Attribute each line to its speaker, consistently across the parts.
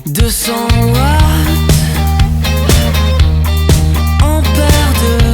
Speaker 1: 200 watts, ampères de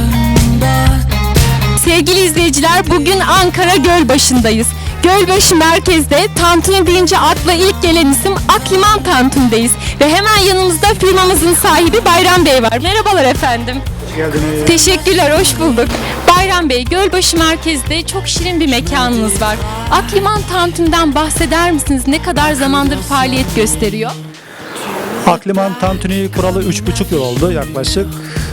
Speaker 1: bottes.
Speaker 2: Sevgili izleyiciler, bugün Ankara Gölbaşı'ndayız. Gölbaşı merkezde tantuni deyince akla ilk gelen isim Akliman Tantuni'deyiz. Ve hemen yanımızda firmamızın sahibi Bayram Bey var. Merhabalar efendim.
Speaker 3: Hoş geldiniz.
Speaker 2: Teşekkürler, hoş bulduk. Bayram Bey, Gölbaşı merkezde çok şirin bir mekanınız var. Akliman Tantuni'den bahseder misiniz? Ne kadar zamandır faaliyet gösteriyor?
Speaker 3: Akliman tantuni kuralı 3,5 yıl oldu yaklaşık.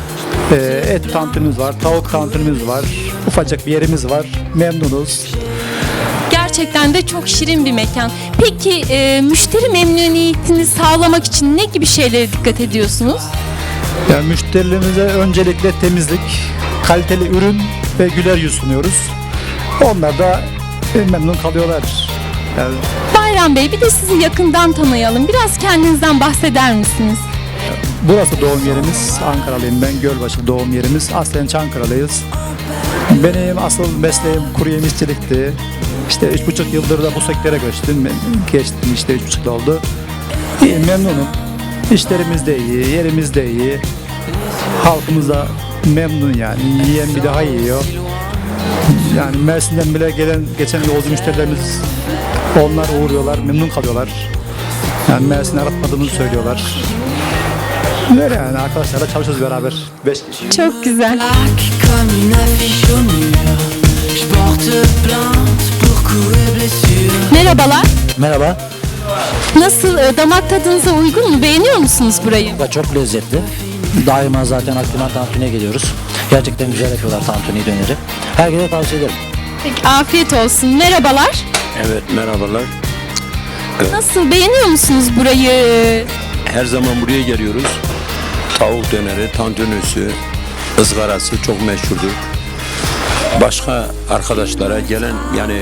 Speaker 3: Et tantunimiz var, tavuk tantunimiz var, ufacık bir yerimiz var. Memnunuz.
Speaker 2: Gerçekten de çok şirin bir mekan. Peki müşteri memnuniyetini sağlamak için ne gibi şeylere dikkat ediyorsunuz?
Speaker 3: Yani müşterilerimize öncelikle temizlik, kaliteli ürün ve güler yüz sunuyoruz. Onlar da memnun kalıyorlar. Yani
Speaker 2: Bayram Bey, bir de sizi yakından tanıyalım. Biraz kendinizden bahseder misiniz?
Speaker 3: burası doğum yerimiz. Ankaralıyım ben. Gölbaşı doğum yerimiz. Aslen Çankıralıyız. Benim asıl mesleğim kuru yemişçilikti. İşte 3,5 yıldır da bu sektöre geçtim işte 3,5 yıl oldu. İyi, memnunum. İşlerimiz de iyi, yerimiz de iyi. Halkımız da memnun yani. Yiyen bir daha yiyor. Yani Mersin'den bile geçen yolcu müşterilerimiz onlar uğruyorlar, memnun kalıyorlar. Yani Mersin'i aratmadığımızı söylüyorlar. Böyle yani arkadaşlarla çalışıyoruz beraber. 5 kişi.
Speaker 2: Çok güzel.
Speaker 1: Plaque comme une affiche au mur. Je porte plainte pour coups et blessures.
Speaker 2: Merhabalar.
Speaker 4: Merhaba.
Speaker 2: Nasıl, damak tadınıza uygun mu? Beğeniyor musunuz burayı?
Speaker 4: Da çok lezzetli. Daima zaten Akliman Tantuni'ye geliyoruz. Gerçekten güzel yapıyorlar tantuni döneri. Herkese tavsiye ederim.
Speaker 2: Peki, afiyet olsun. Merhabalar.
Speaker 5: Evet, merhabalar.
Speaker 2: Nasıl, beğeniyor musunuz burayı?
Speaker 5: Her zaman buraya geliyoruz. Tavuk döneri, tantunisi, ızgarası çok meşhurdur. Başka arkadaşlara gelen yani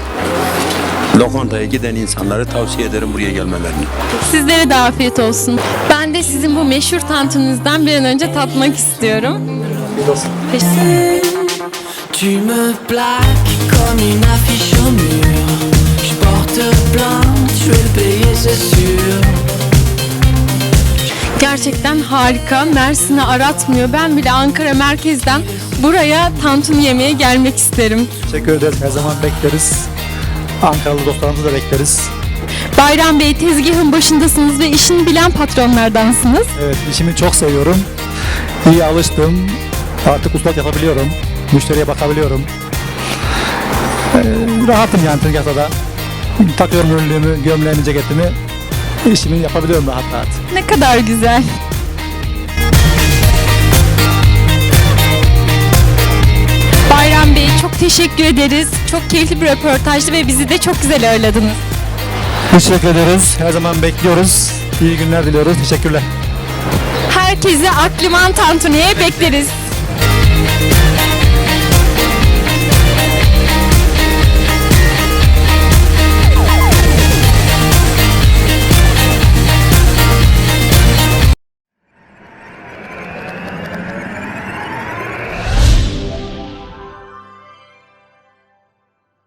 Speaker 5: lokantaya giden insanları tavsiye ederim buraya gelmelerini.
Speaker 2: Sizlere de afiyet olsun. Ben de sizin bu meşhur tantuninizden bir an önce tatmak istiyorum.
Speaker 1: Tu me plaques comme une affiche au mur. Je porte plainte, je vais le payer c'est sûr.
Speaker 2: Gerçekten harika. Mersin'i aratmıyor. Ben bile Ankara merkezden buraya tantuni yemeye gelmek isterim.
Speaker 3: Teşekkür ederiz. Her zaman bekleriz. Ankaralı dostlarımızı da bekleriz.
Speaker 2: Bayram Bey, tezgahın başındasınız ve işini bilen patronlardansınız.
Speaker 3: Evet, işimi çok seviyorum. İyi alıştım. Artık ustalık yapabiliyorum. Müşteriye bakabiliyorum. Rahatım yani tezgahta da. Takıyorum ürünlüğümü, gömleğimi, ceketimi. İşimi yapabiliyorum rahat rahat.
Speaker 2: Ne kadar güzel. Bayram Bey, çok teşekkür ederiz. Çok keyifli bir röportajdı ve bizi de çok güzel ağırladınız.
Speaker 3: Teşekkür ederiz. Her zaman bekliyoruz. İyi günler diliyoruz. Teşekkürler.
Speaker 2: Herkesi Akliman Tantuni'ye bekleriz.